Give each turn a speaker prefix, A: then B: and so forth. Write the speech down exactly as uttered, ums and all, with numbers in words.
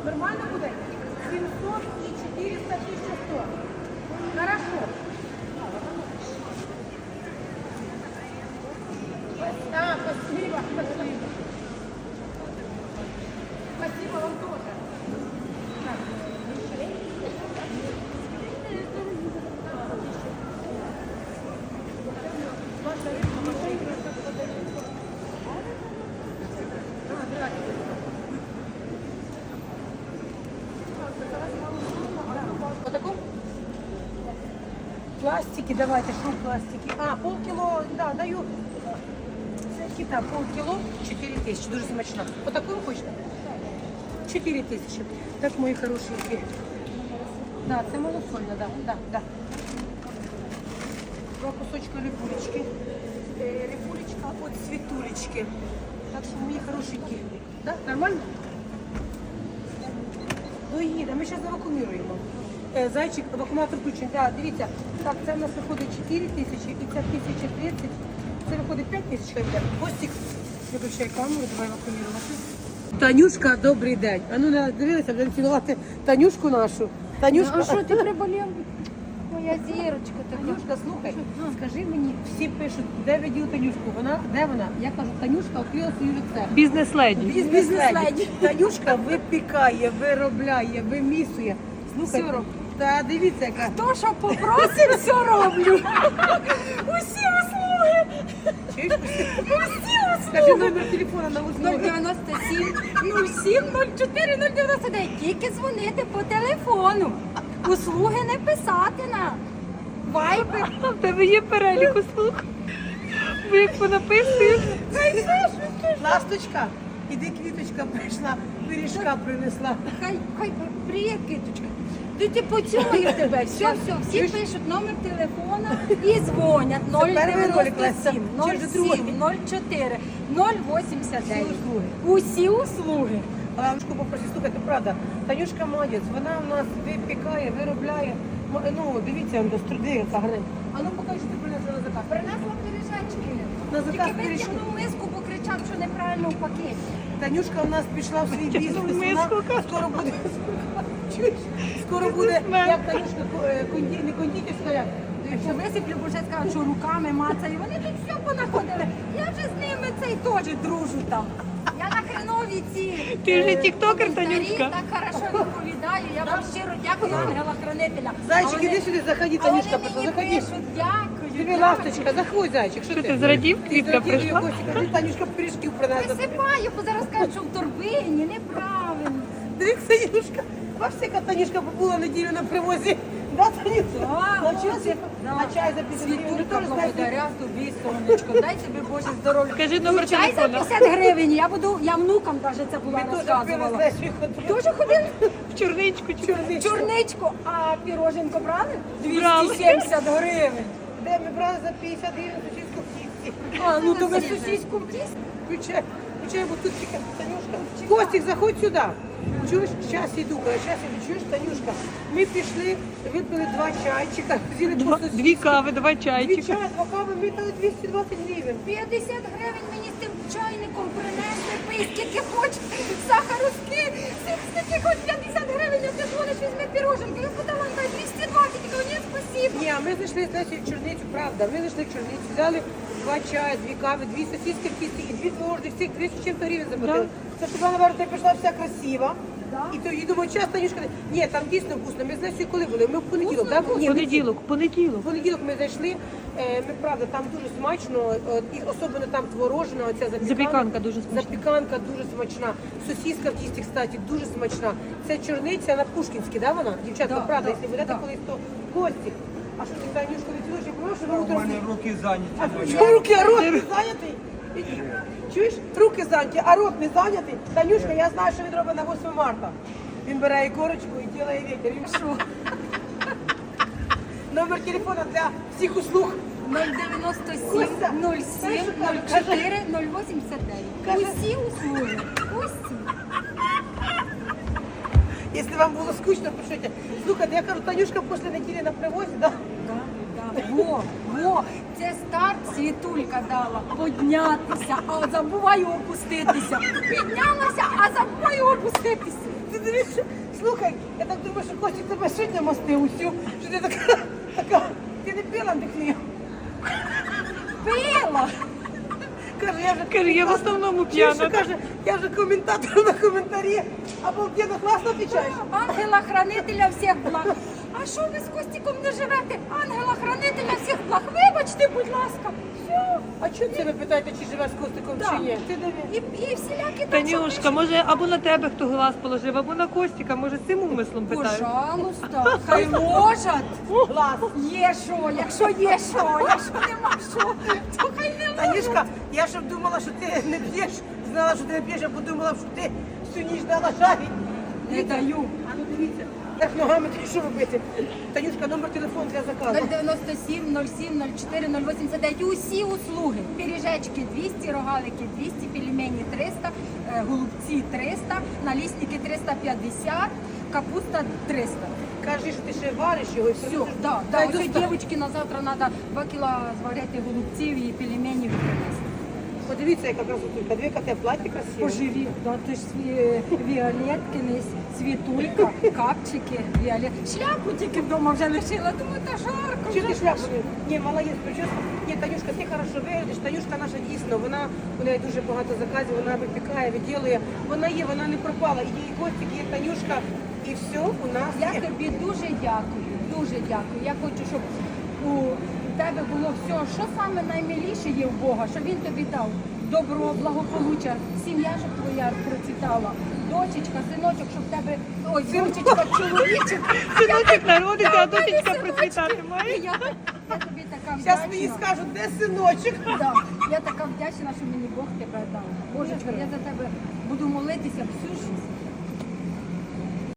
A: Нормально буде? сімсот і чотириста, тисяча сто. Хорошо. Да, спасибо, спасибо. Спасибо вам тоже. Так. Вот таком? Пластики, давайте, что пластики? А, полкило, да, даю. Кита, полкило, четыре тысячи, дуже смачно. Вот такую хочете? четыре тысячи. Так, мої хорошенькі. Да, це малосольно, да, да, да. Два кусочка рибулечки. Е, рибулечка от світулечки. Так що, мої хорошенькі. Да, нормально? Доїде, ми зараз завакууміруємо. Е, зайчик, вакууматор включений. Да, дивіться, так, це в нас виходить чотири тисячі і це тисяча тридцять. Це виходить п'ять тисяч гривень. Костик, виключай камеру, давай вакуумірувати. Танюшка, добрий день. А ну не дивилися, будемо цілувати Танюшку нашу. Танюшка.
B: А що ти приболів? Моя зірочка така.
A: Танюшка, слухай, скажи мені, всі пишуть, де ви діли Танюшку? Вона, де вона? Я кажу, Танюшка відкрила свою рецепт.
C: Бізнес-леді.
A: Бізнес-леді. Танюшка випікає, виробляє, вимісує. Слухай,
B: Все робить.
A: та дивіться, яка.
B: То, що попросив, все роблю. Усі услуги.
A: Чуєш?
B: Усі
A: Скажи
B: услуги.
A: номер телефона на
B: нуль
A: услуги.
B: дев'яносто сім нуль сім нуль чотири нуль дев'яносто дев'ять. Тільки дзвонити по телефону. Услуги не писати на вайбер.
C: А в тебе є перелік услуг. Ви як понаписуєш?
A: Ласточка, іди квіточка прийшла, пиріжка принесла.
B: Хай, хай приє, киточка. Ти ти поцілую тебе. Все, все, всі
A: Чуєш?
B: пишуть номер телефона і дзвонять нуль
A: перший ролик,
B: дев'яносто
A: Леся.
B: сім
A: Чи
B: нуль
A: вже другий?
B: сім нуль чотири нуль вісімдесят
A: Всі
B: дев'ять.
A: услуги.
B: Усі услуги.
A: Танюшку попросив, слухайте, правда, Танюшка молодець, вона в нас випікає, виробляє. М- Ну, дивіться, он до струди, яка гарна. А ну покажи, що ти принесла на заказ.
B: Принесла пиріжечки.
A: На заказ
B: Тільки
A: пиріжки.
B: витягнув миску, бо кричав, що неправильно в пакеті.
A: Танюшка у нас пішла в свій бізнес.
C: Витягнув
A: Вона
C: миску, каже.
A: скоро буде. Чуєш? Скоро буде,
C: Бізнесмен.
A: як Танюшка, е, конді, не кондитерська, як?
B: Якщо висиплю, бо вже скажуть, що руками мацаю. Вони тут все понаходили. Я вже з ними цей теж дружу там. Я на хренові ці.
C: Ти вже
B: е,
C: тіктокер,
B: коментарі
C: Танюшка.
B: Так хорошо відповідаю. Я вам щиро дякую, ангела хранителя.
A: Зайчик,
B: А
A: іди
B: вони-
A: сюди, заходи,
B: а
A: Танюшка,
B: вони
A: прийшла,
B: мені
A: заходи.
B: пишуть, дякую.
A: Тобі
B: дякую.
A: ласточка, заходь, зайчик, що
C: Що
A: ти?
C: ти зрадів?
A: Ти
C: Квітка
A: зрадів,
C: прийшла?
A: Костя, кажи, Танюшка пиріжків принесла.
B: Висипаю, бо зараз кажуть, що в торбині, неправильно.
A: Дивіться, Танюшка, бачите, яка Танюшка побула неділю на привозі. Да, Танюшка?
B: Да,
A: На
B: ось
A: чай,
B: це-
A: на чай за п'ятдесят гривень.
B: Світулька,
A: Теж знаєте,
B: благодаря тобі, сонечко. Дай тобі Боже здоров'я.
C: Скажи номер
B: Чай за
C: телефона.
B: п'ятдесят гривень. Я буду, я внукам даже це була
A: Ми теж пили з
B: розказувала.
A: Лесею ходили.
B: Дуже ходили
C: В чорничку.
A: Чорний.
B: чорничку, а піроженко брали?
C: Брали.
B: двісті сімдесят гривень.
A: Де ми брали за п'ятдесят гривень сусідську в кісті.
B: А, ну то ви сусідську в тісті.
A: Включай, включай, бо тут тільки Танюшка. Костик, заходь сюди. Чуєш, зараз йду, коли зараз йду, чуєш, Танюшка. Ми пішли, випили два чайчика, взяли по
C: Два,
A: сусідськи.
C: дві кави, два
A: Дві
C: чайчика.
A: чай, два кави, ми дали двісті двадцять гривень.
B: п'ятдесят гривень мені з тим чайником принесли, пий скільки хочеш, сахару скільки, скільки хоч п'ятдесят гривень, а ти дзвониш, візьми піроженки. Я подала, дай двісті двадцять, я кажу, ні, спасибо.
A: Ні, а ми зайшли з Лесею в Черницю, правда. Ми зайшли в Черницю, взяли два чая, дві кави, дві сосиски в кісті і дві творожних, всіх двісті чим-то гривень заплатили. Це щоб вона, наверное, ти прийшла вся красива.
B: Да.
A: І то, і думаю, час, Танюшка, ні, там дійсно вкусно. Ми з Лесею коли були? Ми в понеділок, так? Ні, ми-
C: Понеділок, понеділок.
A: В понеділок ми зайшли, е, ми правда, там дуже смачно, е, і особливо там творожна, оця запіканка.
C: Запіканка дуже смачна.
A: Запіканка дуже смачна. Сосиска в тісті, кстати, дуже смачна. Це чорниця на Пушкінській, да, вона? Дівчатка,
B: Да,
A: правда,
B: да,
A: якщо будете
B: да.
A: колись, то гості. А що ти, Танюшка, відчуєш, я прошу, що ви
D: У
A: утром...
D: мене руки зайняті.
A: А
D: Доня.
A: що руки, а рот не зайнятий? Чуєш? Руки зайняті, а рот не зайнятий? Танюшка, я знаю, що він робить на восьме марта. Він бере і корочку і ділає вітер. Він що? Номер телефона для всіх услуг.
B: нуль дев'яносто
A: Костя,
B: сім нуль
A: знаєш,
B: сім
A: що
B: нуль
A: каже?
B: чотири нуль вісімдесят дев'ять.
A: Каже-
B: Усі услуги. Усі.
A: Якщо вам було скучно, пишіть. Слухайте, я кажу, Танюшка після неділі на привозі, да?
B: Да, во, во, це старт світулька дала піднятися, а забуваю опуститися. Піднялася, а забуваю опуститися.
A: Ти Подивіться, слухай, я так думаю, що Костя тебе сьогодні мастив усю, що ти така, така, ти не пила дихни.
B: Пила!
A: Каже, я вже
C: Каже, я в основному п'яна.
A: Чуєш, що каже, я вже коментатор на коментарі, обалденно класно відповідаєш.
B: Ангела-хранителя всіх благ. А що ви з Костіком не живете? Ангела-хранителя всіх благ. Вибачте, будь ласка. Все.
A: А чого це ви питаєте, чи живе з Костиком,
B: Да.
A: чи ні? Ти диви.
B: І, і всілякі там, що
C: Танюшка, може або на тебе хто глаз положив, або на Костіка, може цим умислом
B: пишуть.
C: питають.
B: Пожалуйста, хай можуть.
A: Глаз.
B: Є що, якщо є що, якщо нема що, то хай не можуть.
A: Танюшка, я щоб думала, що ти не п'єш, знала, що ти не п'єш, я подумала, що ти всю ніч дала шарі.
B: Не даю.
A: А ну дивіться, як ногами ти що робити? Танюшка, номер телефону для заказу.
B: нуль дев'яносто сім, нуль сім, нуль чотири, нуль вісімдесят дев'ять. Усі услуги. Пиріжечки двісті, рогалики двісті, пельмені триста, е, голубці триста, налісники триста п'ятдесят, капуста триста.
A: Кажи, що ти ще вариш його і все.
B: Все, да, да.
A: Дай
B: Ось
A: достав.
B: дівчатки на завтра треба два кіла зварити голубців і пельменів принести.
A: Подивіться, яка красотулька. Дві коте платі красиві.
B: Поживі, да, то ж сві- віолетки, не світулька, капчики, віолет. Шляпу тільки вдома вже лишила, думаю, та жарко.
A: Чи ти
B: вже.
A: шляпу? не- Ні, молодець, прическа. Ні, Танюшка, ти хорошо виглядиш. Танюшка наша дійсно, вона, у неї дуже багато заказів, вона випікає, виділує. Вона є, вона не пропала. Є і Костик, є Танюшка, і все у нас
B: Я
A: є.
B: тобі дуже дякую, дуже дякую. Я хочу, щоб у тебе було все, що саме наймиліше є в Бога, щоб він тобі дав добро, благополуччя, сім'я, щоб твоя процвітала, дочечка, синочок, щоб в тебе, ой, дочечка, чоловічок.
C: Синочок народиться, а
B: Да, в мене
C: дочечка
B: синочки.
C: процвітати має.
B: І Я, я тобі така
A: Зараз мені
B: вдячна.
A: скажуть, де синочок.
B: Да, я така вдячна, що мені Бог тебе дав. Божечко, я за тебе буду молитися всю життя.